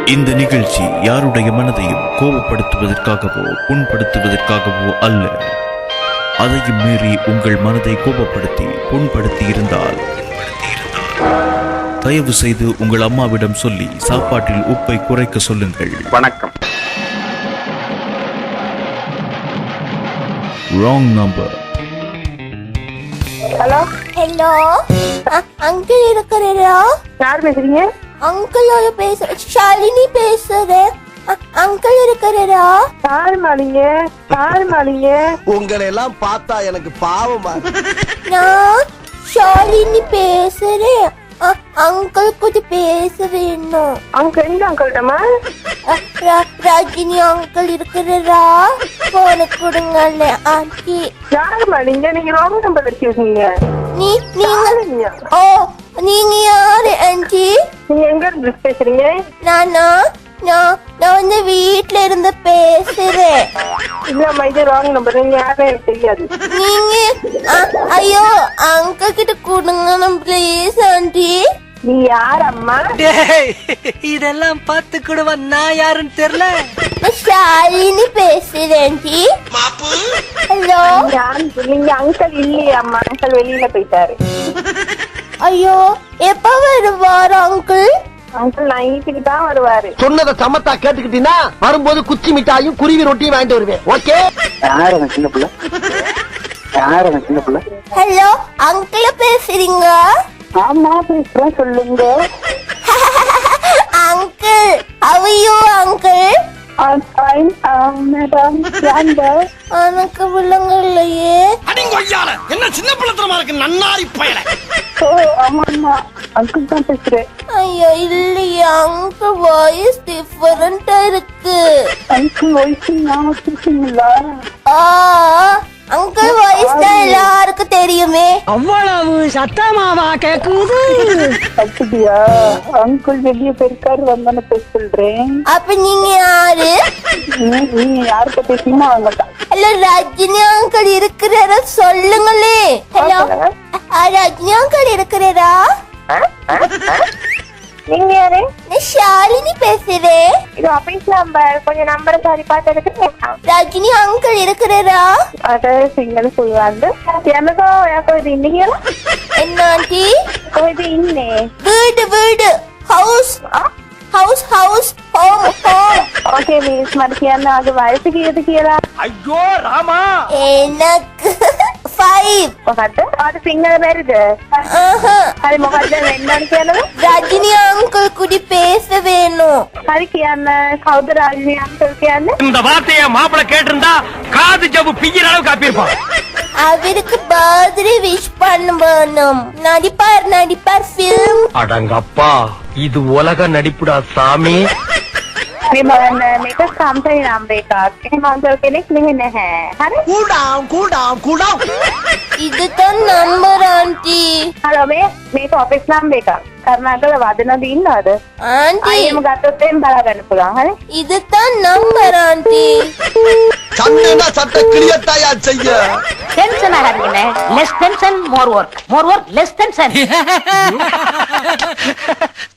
இந்த நிகழ்ச்சி யாருடைய மனதையும் கோபப்படுத்துவதற்காகவோ புண்படுத்துவதற்காகவோ அல்ல. அதையும் மீறி உங்கள் மனதை கோபப்படுத்தி புண்படுத்தி இருந்தால் தயவு செய்து உங்கள் அம்மாவிடம் சொல்லி சாப்பாட்டில் உப்பை குறைக்க சொல்லுங்கள். வணக்கம். Wrong number. Hello hello uncle இருக்கிறீரா? யார் பேசுறீங்க? அங்கிளோட ஷாலினி பேசுறேன். அங்கிள் இருக்கிறீரா? யாருமாலிங்க உங்களை எல்லாம் பார்த்தா எனக்கு பாவமா. நான் ஷாலினி பேசுறேன். அங்கிள் கொஞ்சம் பேச வேணும். அங்கிள் எங்க அங்கிள்டமா? ரஜினி அங்கிள் இருக்கிறா? போன கொடுங்கல்ல ஆண்டி. யாருமாலிங்க? நீங்க ராங் நம்பர் வச்சிருக்கீங்க. நீங்க ஓ நீங்க யாரு ஆண்டி? நீங்க எங்க இருந்து பேசுறீங்க? நானா நான் வந்து வீட்ல இருந்து பேசுறேன். இல்லம்மா, இது ராங் நம்பர். நீங்க யாரும் எனக்கு தெரியாது. நீங்க ஐயோ அங்கிள் கிட்ட கொடுங்க ப்ளீஸ் ஆண்டி. நீ யார் அம்மா? இதெல்லாம் பார்த்து கூடவா நான் யாருன்னு தெரியல. நான் ஷாலினி பேசுறேன் ஆண்டி. ஹலோ நீங்க அங்கிள் இல்லையா அம்மா? அங்கிள் வெளியில போயிட்டாரு. ஐயோ எப்ப வருவாரு அங்கிள்? அங்கிள் நைட்டுக்கு தான் வருவாரு. சொன்னதை சமத்தா கேட்டுக்கிட்டீங்கன்னா வரும்போது குச்சி மிட்டாயும் குருவி ரொட்டியும் வாங்கிட்டு வருவேன். ஓகே. யார் சின்ன பிள்ளை? ஹலோ அங்கிள் பேசுறீங்க? ஆமா பேசுறேன், சொல்லுங்க. அங்கிள் அவையோ அங்கிள் மேடம் எனக்கு விளங்க இல்லையே. என்ன சின்ன பிள்ளைத்தனமா இருக்கு நன்னாரி பயல. ஓ ஆமா அங்கிள் தான் பேசுறேன். ஐயோ இல்லையே அங்கிள் வாய்ஸ் டிஃபரெண்டா இருக்கு. அங்கிள் வயசு நான் பேசுறீங்களா? அங்கிள் வாய்ஸ் தான் எல்லாருக்கும் தெரியுமே. அவ்வளவு சத்தமாவா கேக்குது? அப்படியா? அங்கிள் வெளியே போயிருக்காரு, வந்தானே பேச சொல்றேன். அப்ப நீங்க யாரு? நீங்க யார்கிட்ட பேசீங்கன்னா அவங்கள்ட்ட. ஹலோ ரஜினி அங்கிள் இருக்கிறாரா சொல்லுங்களே. ஹலோ ரஜினி அங்கிள் இருக்கிறாரா? நீங்க யாரு? நான் ஷாலினி பேசுறேன். இது ஆபீஸ் நம்பர், கொஞ்சம் நம்பரை சரி பார்த்து. ரஜினி அங்கிள் இருக்கிறாரா? அத சிங்கல் சொல்லுவாங்க. எனக்கு இது இன்னைக்கு என்ன ஆண்டி? இது இன்னே வீடு house house house home home. Okay miss மறுக்கியான அது வயசுக்கு எதுக்கு? ஐயோ ராமா, எனக்கு 5. அது சிங்கல் வருது. அது முகத்தை வெண்டான்னு ரஜினி அங்கிள் கூடி பேச வேணும். அதுக்கியான கௌத ராஜினி அங்கிள். இந்த வார்த்தைய மாப்பிள்ள கேட்டிருந்தா காது ஜவ்வு பிய்யற அளவுக்கு காப்பியிருப்பான். அவருக்கு பர்த்டே விஷ் பண்ண வேணும். நடிப்பார் ஃபிலிம். அடங்கப்பா, இது உலக நடிப்புடா சாமி. मेरे काम से ही नाम देखा के नहीं है. இதுதான் நம்பர் ஆண்டி. हेलो मेरे ऑफिस नाम देखा कर्नाटक वादना दीन ना அது ஆண்டி ගත්තොත් බලාගන්න පුළුවන්. හරි இதுதான் நம்பர் ஆண்டி. சண்டைனா சட்டை கிளியத்தாயா செய்ய. டென்ஷன் ஆகாதீங்க. Less tension more work, more work less tension.